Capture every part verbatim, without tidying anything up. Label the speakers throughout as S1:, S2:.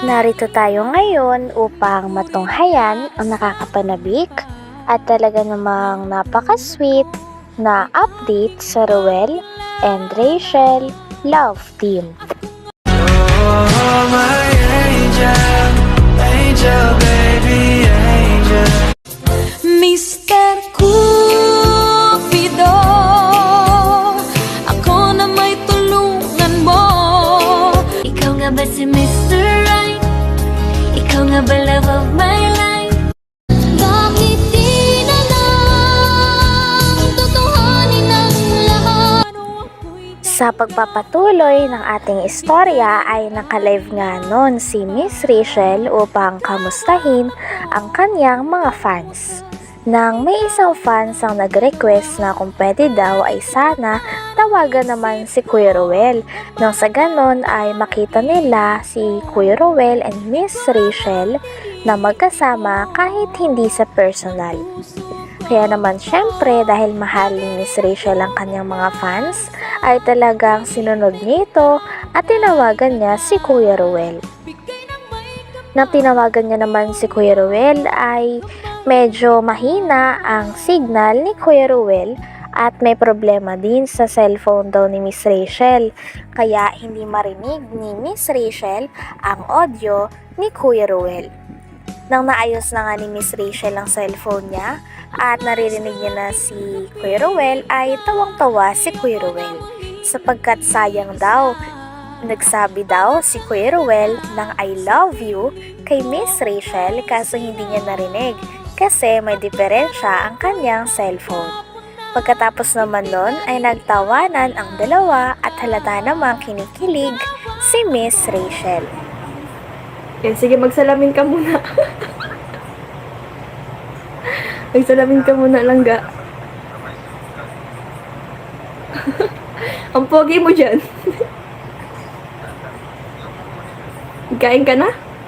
S1: Narito tayo ngayon upang matunghayan ang nakakapanabik at talaga namang napaka-sweet na update sa Ruel and Rachel love team.
S2: Oh, my angel, angel, baby, angel.
S3: mister Cupido, ako na may tulungan mo. Ikaw nga ba si mister Right? Ikaw nga ba love of my life? Bakit di na lang tutuhanin ang lahat?
S1: Sa pagpapatuloy ng ating istorya ay nakalive nga noon si Miss Rachel upang kamustahin ang kanyang mga fans. Nang may isang fans ang nag-request na kung pwede daw ay sana tawagan naman si Kuya Ruel. Nang sa ganon ay makita nila si Kuya Ruel and Miss Rachel na magkasama kahit hindi sa personal. Kaya naman syempre dahil mahal ni Miss Rachel ang kanyang mga fans ay talagang sinunod niya ito at tinawagan niya si Kuya Ruel. Nang tinawagan niya naman si Kuya Ruel ay medyo mahina ang signal ni Kuya Ruel at may problema din sa cellphone daw ni Miss Rachel. Kaya hindi marinig ni Miss Rachel ang audio ni Kuya Ruel. Nang naayos na nga ni Miss Rachel ang cellphone niya at naririnig niya na si Kuya Ruel ay tawang-tawa si Kuya Ruel sapagkat sayang daw. Nagsabi daw si Kuya Ruel ng I love you kay Miss Rachel kaso hindi niya narinig kasi may diferensya ang kanyang cellphone. Pagkatapos naman nun ay nagtawanan ang dalawa at halata namang kinikilig si Miss Rachel.
S4: Yan, sige, magsalamin ka muna. Magsalamin ka muna, langga. Ang pogi mo dyan. Kain ka na?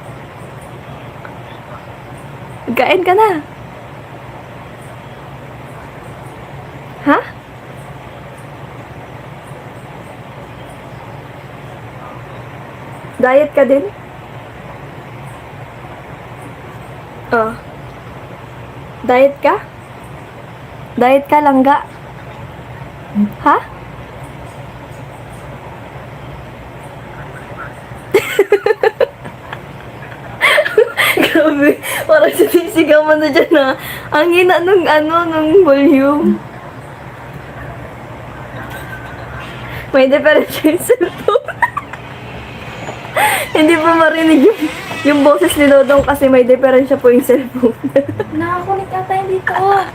S4: Kain ka na? Ha? Diet ka din? Oh. Diet ka? Diet ka, langga? Ha? Grabe, parang sinisigaw mo na dyan na ang hina nung ano, nung volume. May diferensya yung cellphone. Hindi pa marinig yung, yung boses ni Dodong kasi may diferensya po yung cellphone.
S3: Nakakunik ata yung dito.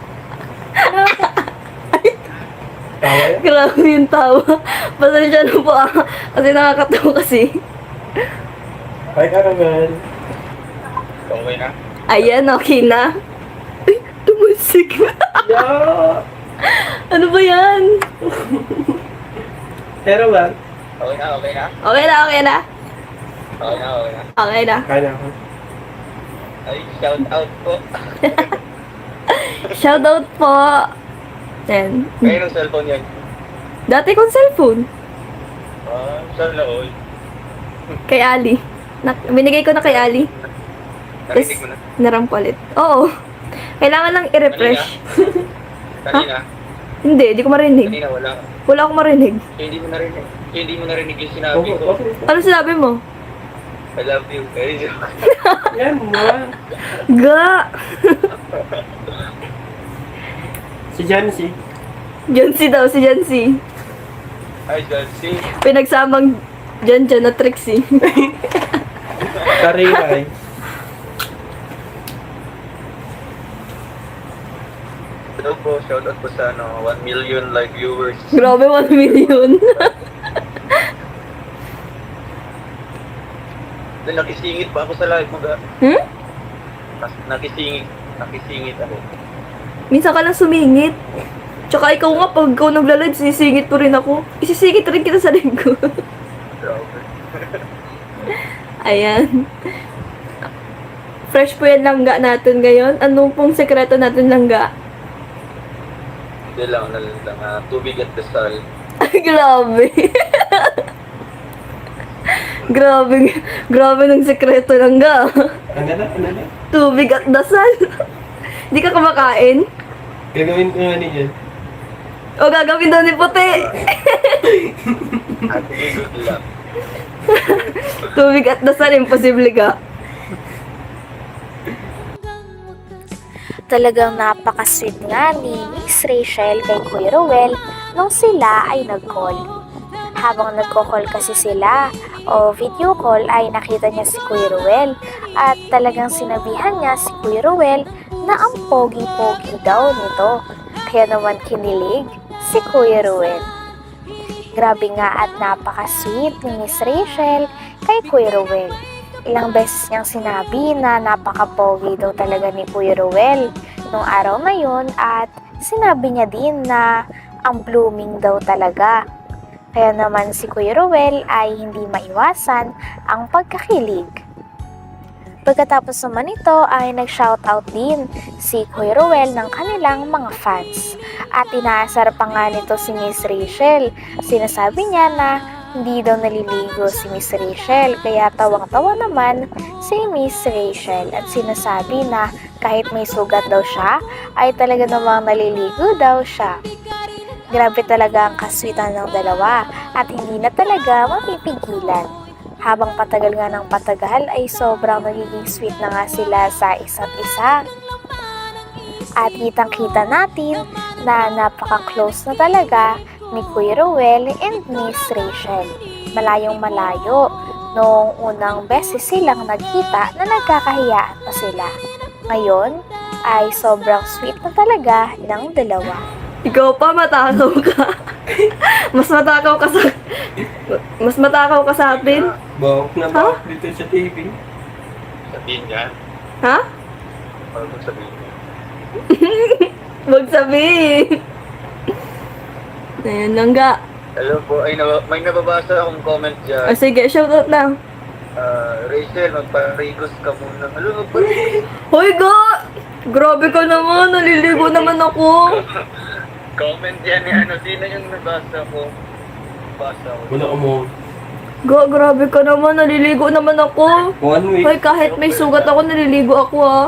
S4: Grabe yung tawa. Pasensya na po ah. Kasi nakakatawa kasi.
S5: Hi, Caramel.
S2: Okay na?
S4: Ayan, okay na. Ay, tumusik na.
S5: Yeah!
S4: Ano ba yan?
S5: Pero lang.
S2: Okay na, okay na?
S4: Okay na, okay na.
S2: Okay na, okay na.
S4: Okay na.
S5: Kaya ako.
S2: Ay, shout out po.
S4: Shoutout po. Yan.
S2: Kayo ng cellphone yan.
S4: Dati kong cellphone.
S2: Ah, saan na all?
S4: Kay Ali. Na, binigay ko na kay Ali. Tapos,
S2: Narinig mo na?
S4: narampalit. Oo. Kailangan lang i-refresh.
S2: Kanina?
S4: Hindi, di ko marinig.
S2: Kanina wala.
S4: Wala akong marinig.
S2: Kaya hindi mo narinig. Kaya hindi mo narinig yung sinabi
S5: Okay,
S2: ko.
S5: okay.
S4: Ano sinabi mo?
S2: I love you. Ay, joke.
S5: Yan, ma.
S4: Ga!
S5: Si Jancy.
S4: Jancy daw, si Jancy.
S2: Hi, Jancy.
S4: Pinagsamang Jan Jan na Trixie.
S5: Karingay.
S2: Hello po, shout out po sa ano, one million live viewers.
S4: Grabe, one million.
S2: Then nakisingit pa ako sa live mo ga.
S4: Hmm?
S2: Nas- Nakisingit. Nakisingit ako.
S4: Minsan ka lang sumingit. Tsaka ikaw nga, pag ikaw nagla-live, sinisingit po rin ako. Isisingit rin kita sa live ko.
S2: Grabe.
S4: Ayan. Fresh po yan langga natin ngayon. Anong pong sekreto natin langga?
S2: Hindi lang, lang, lang uh, tubig at dasal.
S4: Ay, grabe. Grabe, grabe ng sekreto lang ga.
S5: Ano na? Ano na?
S4: Tubig at dasal. Di ka kumakain?
S5: Gagawin ko nga niya.
S4: O gagawin daw ni puti.
S2: At good luck.
S4: Tubig at dasal, imposible ka.
S1: Talagang napaka-sweet nga ni Miss Rachel kay Kuya Ruel nung sila ay nag-call. Habang nagko-call kasi sila o video call ay nakita niya si Kuya Ruel at talagang sinabihan niya si Kuya Ruel na ang pogi-pogi daw nito. Kaya naman kinilig si Kuya Ruel. Grabe nga at napaka-sweet ni Miss Rachel kay Kuya Ruel. Ilang beses niyang sinabi na napaka-pogi daw talaga ni Kuya Ruel nung araw na yun at sinabi niya din na ang blooming daw talaga. Kaya naman si Kuya Ruel ay hindi maiwasan ang pagkakilig. Pagkatapos naman ito ay nag-shoutout din si Kuya Ruel ng kanilang mga fans. At inaasar pa nga nito si Miss Rachel. Sinasabi niya na hindi daw naliligo si Miss Rachel, kaya tawang-tawa naman si Miss Rachel at sinasabi na kahit may sugat daw siya, ay talaga namang naliligo daw siya. Grabe talaga ang kaswitan ng dalawa at hindi na talaga mapipigilan. Habang patagal nga ng patagal ay sobrang nagiging sweet na nga sila sa isa't isa. At kitang-kita natin na napaka-close na talaga ni Kuya Ruel and Miss Rachel. Malayong malayo noong unang beses silang nagkita na nagkakahiyaan pa sila. Ngayon ay sobrang sweet na talaga ng dalawa.
S4: Ikaw pa, matakaw ka. Mas matakaw ka sa... Mas matakaw ka sa atin.
S5: Bawak na bawak dito sa T V.
S2: Sabihin niya.
S4: Ha?
S2: Ano kung sabihin niya?
S4: Huwag sabihin. Ayan lang ga.
S2: Hello po. Ay, nab- may nababasa akong comment
S4: O
S2: dyan.
S4: sige, shoutout na.
S2: Ah, Rachel, magparigos ka muna. Ano, magparigos?
S4: Hoy ga! Grabe ka naman, naliligo naman ako.
S2: Comment yan ni ano. Sino yung nabasa ko? Nabasa ko.
S5: Wala ka mo.
S4: Ga, grabe ka naman, naliligo naman ako.
S5: One week.
S4: Hoy, kahit may sugat ako, naliligo ako ah.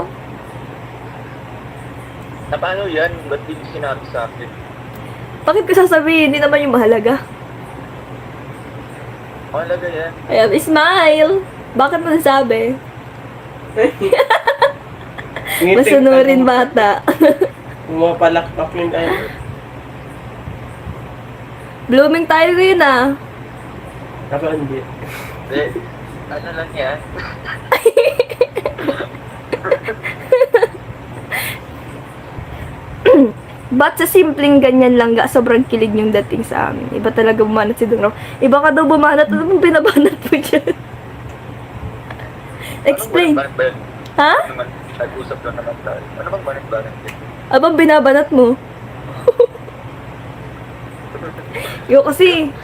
S2: Na paano yan? Ba't di ko sinabi sa akin?
S4: Bakit ko sasabihin? Hindi naman yung mahalaga.
S2: Mahalaga yan.
S4: Ayan, smile! Bakit mo nasabi? Masunurin bata.
S5: Pumapalakpak yung tayo.
S4: Blooming tayo yun ah.
S5: Ako hindi.
S2: Hindi. Ano lang yan?
S4: Ba't sa simpleng ganyan lang ga, sobrang kilig yung dating sa amin. Iba talaga bumanat si Dong Ram. Iba ka daw bumanat, ano bang binabanat mo dyan? Explain.
S2: Ano bang banat?
S4: Ha?
S2: Ano naman? Nag-usap lang naman tayo. Ano bang banat-banat yan?
S4: Abang binabanat mo? Yo kasi,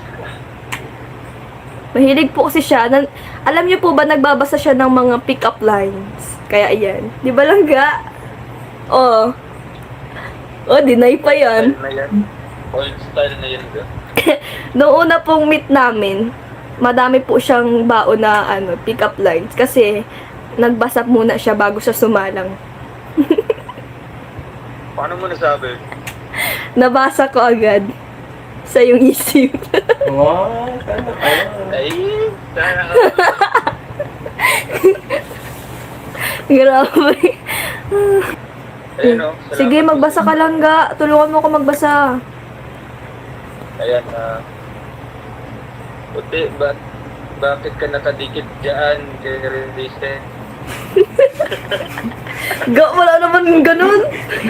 S4: mahilig po kasi siya. Nan, alam niyo po ba, nagbabasa siya ng mga pick-up lines. Kaya ayan. Di ba lang ga? Oo. Oh, deny pa yan.
S2: Style na yan. Old style na yan. Ga.
S4: Noong una pong meet namin, madami po siyang baon na ano, pick-up lines. Kasi, nagbasa muna siya bago siya sumalang.
S2: Paano mo nasabi?
S4: Nabasa ko agad sa yung isip.
S5: Wow, sana ka.
S2: Ay, sana ka.
S4: Grabe.
S2: Ayun o. salamat.
S4: Sige, magbasa ka lang ga. Tulungan mo ko magbasa.
S2: Ayan na. Puti, ba bakit ka nakadikit dyan kay Release?
S4: Ga, wala naman ganun.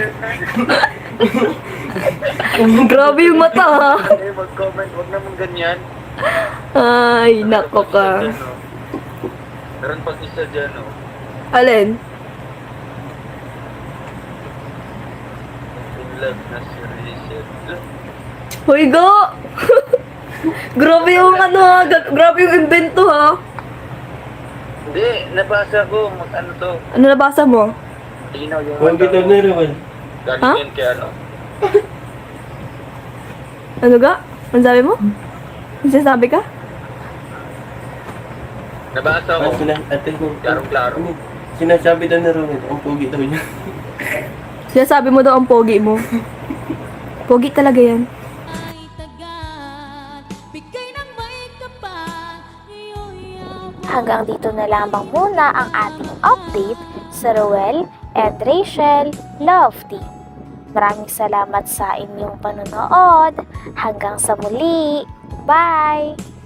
S4: Grabe yung mata ha.
S2: Eh, mag-comment. Huwag naman ganyan.
S4: Ay, nako ka.
S2: Dyan, oh. Meron pag isa dyan, oh.
S4: Alin?
S2: In love na si Rachel.
S4: Hoy ga. Grabe yung ano ha. Ga- Grabe yung invento ha.
S2: Hindi, nabasa ko. Mag ano to.
S4: Ano nabasa mo?
S2: Linaw yung
S5: Huwag kita na rin.
S2: Galing
S4: Ha?
S2: yan kay ano.
S4: Ano ga? Ano sabi mo? Ano sinasabi ka?
S2: Nabasa ko.
S5: Ah, sina, ate, nung,
S2: Klarong-klaro.
S5: ano, sinasabi daw ni Romel, ang pugi daw niya.
S4: Sinasabi mo daw ang pogi mo. Pogi talaga yan.
S3: Ay tagat, bigay ng may kapal. Iyoyaw.
S1: Hanggang dito na lamang muna ang ating update sa Ruel and Rachel Love Team. Maraming salamat sa inyong panonood. Hanggang sa muli. Bye!